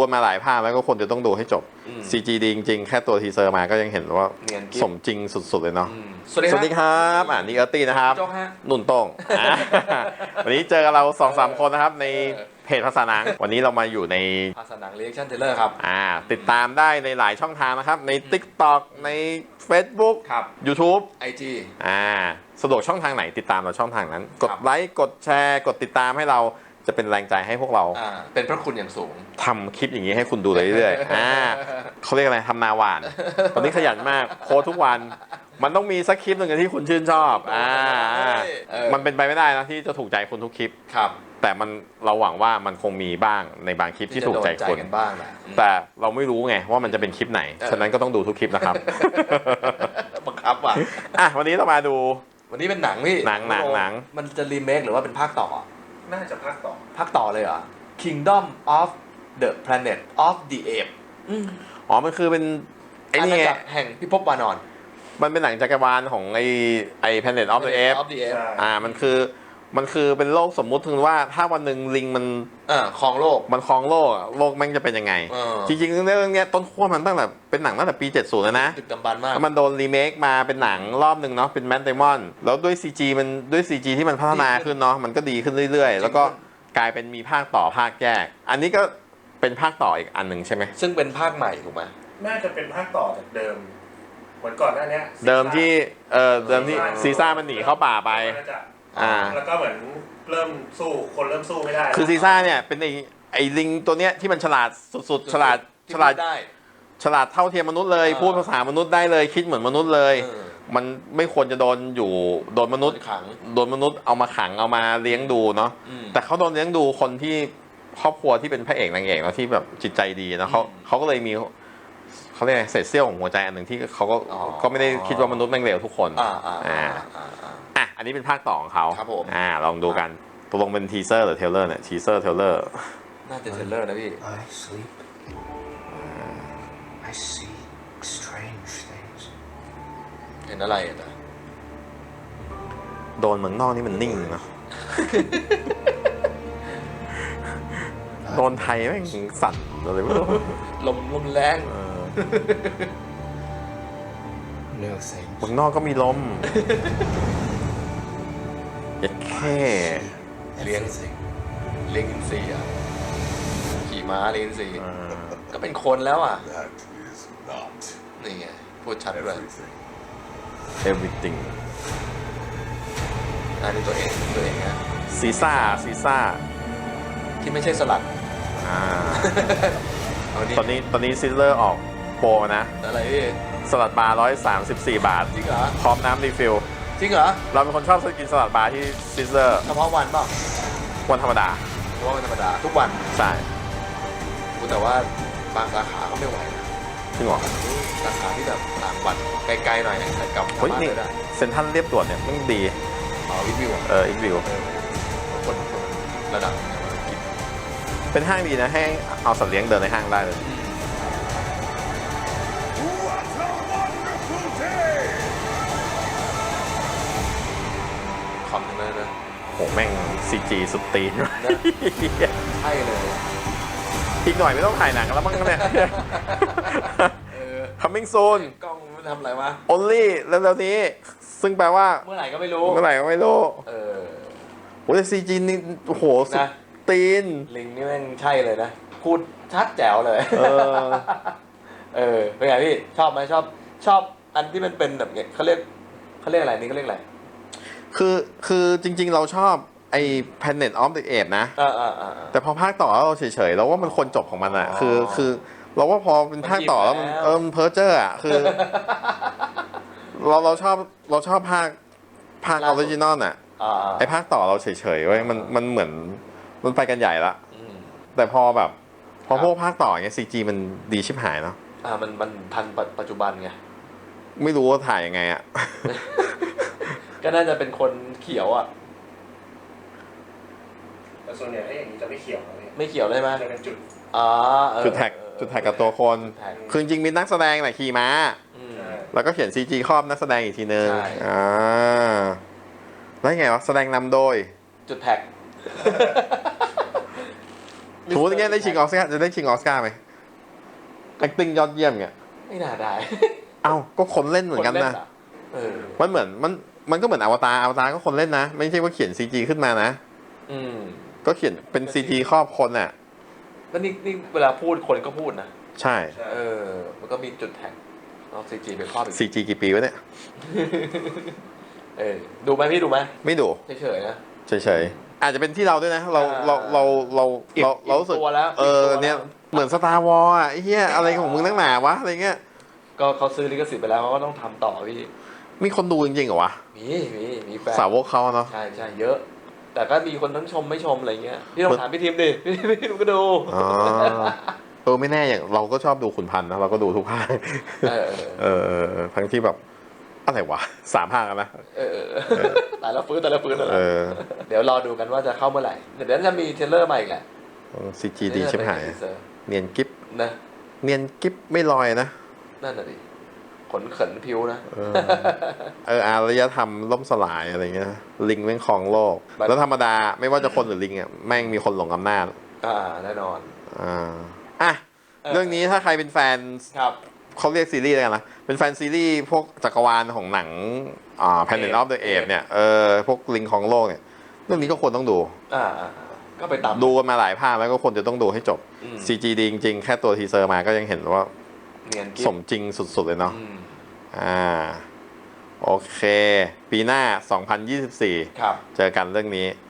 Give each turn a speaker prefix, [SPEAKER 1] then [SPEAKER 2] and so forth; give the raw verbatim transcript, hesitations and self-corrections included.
[SPEAKER 1] กันมาหลายภาคแล้วก็คนจะต้องดูให้จบ ซี จี ดีจริงๆแค่ตัวทีเซอร์มาก็ยังเห็นว่าสมจริงสุดๆเลยเนาะ
[SPEAKER 2] สวัสดี
[SPEAKER 1] ครับอ่านี่เออร์ตี้นะครับนุ่นโต้งวันนี้เจอกับเราสองสามคนนะครับในเพจภาษาหนังวันนี้เรามาอยู่ใน
[SPEAKER 2] ภาษาหนัง Reaction Trailer ครับ
[SPEAKER 1] อ่าติดตามได้ในหลายช่องทางนะครับใน TikTok ใน Facebook
[SPEAKER 2] ครับ
[SPEAKER 1] YouTube
[SPEAKER 2] ไอ จี
[SPEAKER 1] อ่าสะดวกช่องทางไหนติดตามเราช่องทางนั้นกดไลค์กดแชร์กดติดตามให้เราจะเป็นแรงใจให้พวกเรา
[SPEAKER 2] เป็นพระคุณอย่างสูง
[SPEAKER 1] ทำคลิปอย่างนี้ให้คุณดูเรื่อยๆอ่าเขาเรียกอะไรทำนาหวานตอนนี้ขยันมากโพสทุกวันมันต้องมีสักคลิปหนึ่งที่คุณชื่นชอบอ่ามันเป็นไปไม่ได้นะที่จะถูกใจคุณทุกคลิป
[SPEAKER 2] ครับ
[SPEAKER 1] แต่มันเราหวังว่ามันคงมีบ้างในบางคลิปที่ถูกใจคน
[SPEAKER 2] บ้างนะ
[SPEAKER 1] แต่เราไม่รู้ไงว่ามันจะเป็นคลิปไหนฉะนั้นก็ต้องดูทุกคลิปนะครับ
[SPEAKER 2] บังคับว่ะ
[SPEAKER 1] อ่ะวันนี้เรามาดู
[SPEAKER 2] วันนี้เป็นหนังพี่
[SPEAKER 1] หนังหนังหนัง
[SPEAKER 2] มันจะรีเมคหรือว่าเป็นภาคต่อ
[SPEAKER 3] น่าจะภาคต่อ
[SPEAKER 2] ภาคต่อเลยเหรอ Kingdom of the Planet of the Apes
[SPEAKER 1] อ๋อมันคือเป็นไอ้นี่ไง
[SPEAKER 2] แห่งพิภพวานอน
[SPEAKER 1] มันเป็นหนังจักรวาลของไอ้ไอ้ Planet of the Apes อ่ามันคือมันคือเป็นโลกสมมุติถึงว่าถ้าวันหนึ่งลิงมัน
[SPEAKER 2] ครองโลก
[SPEAKER 1] มันครองโลกโลกแม่งจะเป็นยังไงจริงๆเรื่องนี้ต้นขั้วมันตั้งแต่เป็นหนังตั้งแต่ปีเจ็ดสิบแล้วนะ
[SPEAKER 2] ดึกดำบรรพ์มาก
[SPEAKER 1] มันโดนรีเมคมาเป็นหนังรอบหนึ่งเนาะเป็นแมทเดมอนแล้วด้วย ซี จี มันด้วย ซี จี ที่มันพัฒนาขึ้นเนาะมันก็ดีขึ้นเรื่อยๆแล้วก็กลายเป็นมีภาคต่อภาคแยกอันนี้ก็เป็นภาคต่ออีกอันหนึ่งใช่ไหม
[SPEAKER 2] ซึ่งเป็นภาคใหม่ถูกไหม
[SPEAKER 3] น่าจะเป็นภาคต่อจากเดิมเหมือนก่อนหน้านี้
[SPEAKER 1] เดิมที่เอ่อเดิมที่ซีซ่ามันหนีเข้าป่าไป
[SPEAKER 3] อ่าแล้วก็เหมือนเริ่มสู้คนเริ่มสู้ไม่ได้
[SPEAKER 1] คือซีซ่าเนี่ยเป็นไอไอลิงตัวเนี้ยที่มันฉลาดสุดๆฉลาดฉลาดฉลาดเท่าเทียมมนุษย์เลยพูดภาษามนุษย์ได้เลยคิดเหมือนมนุษย์เลยมันไม่ควรจะโดนอยู่โดนมนุษย์
[SPEAKER 2] ขัง
[SPEAKER 1] โดนมนุษย์เอามาขังเอามาเลี้ยงดูเนาะแต่เขาโดนเลี้ยงดูคนที่ครอบครัวที่เป็นพระเอกนางเอกแล้วที่แบบจิตใจดีนะเขาเขาก็เลยมีเขาเรียกเศษเสี้ยวของหัวใจอันหนึ่งที่เขาก็ก็ไม่ได้คิดว่ามนุษย์แม่งเลวทุกคน
[SPEAKER 2] อ่าอ่า
[SPEAKER 1] อ่ะอันนี้เป็นภาคต่อของเขา
[SPEAKER 2] ครับผม
[SPEAKER 1] อ่าลองดูกันตกลงเป็นทีเซอร์หรือเทเลอร์เนี่ยทีเซอร์เทเลอร์
[SPEAKER 2] น่าจะเทเลอร์นะพี่
[SPEAKER 4] I sleep I see strange things
[SPEAKER 2] เห็นอะไรอ่ะ
[SPEAKER 1] โดนเมืองนอกนี่มันนิ่งเนาะโดนไทยแม่งสั่นอะไรไม่รู้
[SPEAKER 2] ลมลมแรง
[SPEAKER 1] เมืองนอกก็มีลมเอ็ดแค่
[SPEAKER 2] เลี้ยงเลี้ยงอินทรีอ่ะขี่ม้าเลี้ยงอินทรีก็เป็นคนแล้วอ่ะนี่ไงพูดชัดเลย
[SPEAKER 1] everything
[SPEAKER 2] อันนี้ตัวเองตัวเองนะ
[SPEAKER 1] ซีซ่าซีซ่า
[SPEAKER 2] ที่ไม่ใช่สลัด
[SPEAKER 1] อ่าตอนนี้ตอนนี้ซิลเลอร์ออกโปรนะ
[SPEAKER 2] อะไรพี่
[SPEAKER 1] สลัดบาร์ร้อยสามสิบสี่บาท
[SPEAKER 2] จริงเหรอ
[SPEAKER 1] พร้อมน้ำรีฟิล
[SPEAKER 2] จริงเหรอ
[SPEAKER 1] เราเป็นคนชอบกินสลัดบาร์ที่ซิลเลอร์
[SPEAKER 2] เฉพาะวันเปล่า
[SPEAKER 1] วันธรรมดา
[SPEAKER 2] เฉพาะวันธรรมดาทุกวัน
[SPEAKER 1] ใช่
[SPEAKER 2] แต่ว่าบางสาขาก็ไม่ไหวนะ
[SPEAKER 1] จริงเหรอ
[SPEAKER 2] สาขาที่แบบต่างวัดไกลๆหน่อยแต่กลับ
[SPEAKER 1] เฮ้ยนี่เซ็นทรัลเรียบด่วนเนี่ยมันดี
[SPEAKER 2] อ๋ออีกวิว
[SPEAKER 1] เอออีกวิว
[SPEAKER 2] คนระดับกิน
[SPEAKER 1] เป็นห้างดีนะให้เอาสัตว์เลี้ยงเดินในห้างได้เลย
[SPEAKER 2] คำนึงเลยนะ
[SPEAKER 1] โหแม่ง ซี จี สุดตีน
[SPEAKER 2] ใช่เลย
[SPEAKER 1] อีกหน่อยไม่ต้องถ่ายหนังแล้วมั้งเนี่ย coming soon
[SPEAKER 2] กล้องมันทำอะไรวะ
[SPEAKER 1] only แล้วเร็วๆนี้ซึ่งแปลว่า
[SPEAKER 2] เมื่อไหร่ก็ไม่รู้
[SPEAKER 1] เมื่อไหร่ก็ไม่รู้
[SPEAKER 2] เออ
[SPEAKER 1] โหแต่ ซี จี นี่โอ้โหสุดตีน
[SPEAKER 2] ลิงนี่แม่งใช่เลยนะพูดชัดแจ๋วเลย
[SPEAKER 1] เออ
[SPEAKER 2] เออเป็นไงพี่ชอบไหมชอบชอบอันที่มันเป็นแบบเนี้ยเขาเรียกเขาเรียกอะไรนี่เขาเรียกอะไร
[SPEAKER 1] คือคือจริงๆเราชอบไอ้ Planet of the Apes นะแต่พอภาคต่อเราเฉยๆเราว่ามันคนจบของมันอ่ะคือคือเราว่าพอเป็นภาคต่อแล้วมันเออเพอร์เจอร์อ่ะคือเราเราชอบเราชอบภาคภาคออริจินอลอ่ะไอ้ภาคต่อเราเฉยๆไว้มันมันเหมือนมันไปกันใหญ่ละแต่พอแบบพอพวกภาคต่อเงี้ย ซี จี มันดีชิบหายเนาะ
[SPEAKER 2] อ่ามันมันทันปัจจุบันไง
[SPEAKER 1] ไม่รู้ว่าถ่ายยังไงอ่ะ
[SPEAKER 2] ก็น่าจะเป็นคนเขียวอ่ะ
[SPEAKER 3] แต่ส่วนใหญ่ถ้าอย่างนี้จะไม่เขียวเลย
[SPEAKER 2] ไม่เขียวเลยไหม
[SPEAKER 3] จะเป็นจุด
[SPEAKER 2] อ๋อ
[SPEAKER 1] จุดแท็กจุดแท็กกับตัวคนคือจริงมีนักแสดงแหละขี่ม้าแล้วก็เขียน ซี จี ครอบนักแสดงอีกทีนึงอ่าแล้วไงวะแสดงนำโดย
[SPEAKER 2] จุดแท็ก
[SPEAKER 1] สมมติอย่างเงี้ยได้ชิงออสการ์จะได้ชิงออสการ์ไหม acting ยอดเยี่ยมเงี้ย
[SPEAKER 2] ไม่น่าได้
[SPEAKER 1] เอ้าก็คนเล่นเหมือนกันนะ
[SPEAKER 2] คล่เออ
[SPEAKER 1] มันเหมือนมันมันก็เหมือนอวตารอวตารก็คนเล่นนะ ไม่ใช่ว่าเขียน ซี จี ขึ้นมานะ
[SPEAKER 2] อืม
[SPEAKER 1] ก็เขียนเป็น ซี จี ครอบคนอ่ะ
[SPEAKER 2] แล้วนี่นี่เวลาพูดคนก็พูดนะ
[SPEAKER 1] ใช่
[SPEAKER 2] เออ มันก็มีจุดแท็กเอาซีจีไปครอบอีก
[SPEAKER 1] ซี จี กี่ปีวะเนี่ย
[SPEAKER 2] เออ ดูไหมพี่ดูไหม
[SPEAKER 1] ไม่ดู
[SPEAKER 2] เฉยๆนะ
[SPEAKER 1] เฉยๆอาจจะเป็นที่เราด้วยนะ เรา
[SPEAKER 2] อ่า
[SPEAKER 1] เราเราเราเรา
[SPEAKER 2] อิ่ม
[SPEAKER 1] เรารู้สึก
[SPEAKER 2] อิ่มตัวแล้ว
[SPEAKER 1] เออ
[SPEAKER 2] อิ่มตัวแล้ว
[SPEAKER 1] เนี่ยเหมือนสตาร์วอลอ่ะไอ้เหี้ยอะไรของมึงนักหนาวะอะไรเงี้ย
[SPEAKER 2] ก็เขาซื้อลิขสิทธิ์ไปแล้วเขาก็ต้องทำต่อพี่
[SPEAKER 1] มีคนดูจริงๆเหรอวะ
[SPEAKER 2] มีมีมีแฟน
[SPEAKER 1] สาวกเขาเนาะ
[SPEAKER 2] ใช่ใช่เยอะ แต่ก็มีคนทั้งชมไม่ชมอะไรเงี้ย พี่ต้องถามพี่ทีมดิ พี่พี่ทีมก็ดู
[SPEAKER 1] อ๋อเออไม่แน่อย่างเราก็ชอบดูขุนพันธ์นะเราก็ดูทุกภาค
[SPEAKER 2] เออ
[SPEAKER 1] เออเออเออทั้งที่แบบอะไรวะสามภาคแล้วนะ
[SPEAKER 2] เออเออแต่ละฟื้นแต่ละฟื้นแต่ละ
[SPEAKER 1] เออ
[SPEAKER 2] เดี๋ยวรอดูกันว่าจะเข้าเมื่อไหร่ เดี๋ยวจะมีเทรลเลอร์มาอีกแหละ
[SPEAKER 1] ซีจีดีชิบหาย
[SPEAKER 2] เซอร์
[SPEAKER 1] เนียนกิฟ
[SPEAKER 2] นะ
[SPEAKER 1] เนียนกิฟไม่ลอยนะ
[SPEAKER 2] นั่นน่ะดิ ขนเขินพิวนะ
[SPEAKER 1] เออ เอออารยธรรมล่มสลายอะไรเงี้ยลิงแม่งครองโลก
[SPEAKER 2] แบบ
[SPEAKER 1] แล้วธรรมดาไม่ว่าจะคนหรือลิงอ่ะแม่งมีคนหลงอำนาจ
[SPEAKER 2] อ่าแน่นอน
[SPEAKER 1] อ่าอ่ะ
[SPEAKER 2] เออ
[SPEAKER 1] เรื่องนี้ถ้าใครเป็นแฟน
[SPEAKER 2] ครับ
[SPEAKER 1] เขาเรียกซีรีส์อะไรกันนะเป็นแฟนซีรีส์พวกจักรวาลของหนังอ่า Planet of the Apes เนี่ยเออพวกลิงของโลกเนี่ยเรื่องนี้ก็ควรต้องดู
[SPEAKER 2] อ่าอ่าก็ไปตาม
[SPEAKER 1] ดูกันมาหลายภาคแล้วก็ควรจะต้องดูให้จบ
[SPEAKER 2] อืม
[SPEAKER 1] ซี จี ดีจริงๆ แค่ตัวทีเซอร์มาก็ยังเห็นว่า
[SPEAKER 2] เนียนกิ๊
[SPEAKER 1] ส
[SPEAKER 2] บ
[SPEAKER 1] มจริงสุดๆเลยเนาะ
[SPEAKER 2] อืม
[SPEAKER 1] อ่าโอเค ปีหน้า สองพันยี่สิบสี่
[SPEAKER 2] ครับ
[SPEAKER 1] เจอกันเรื่องนี้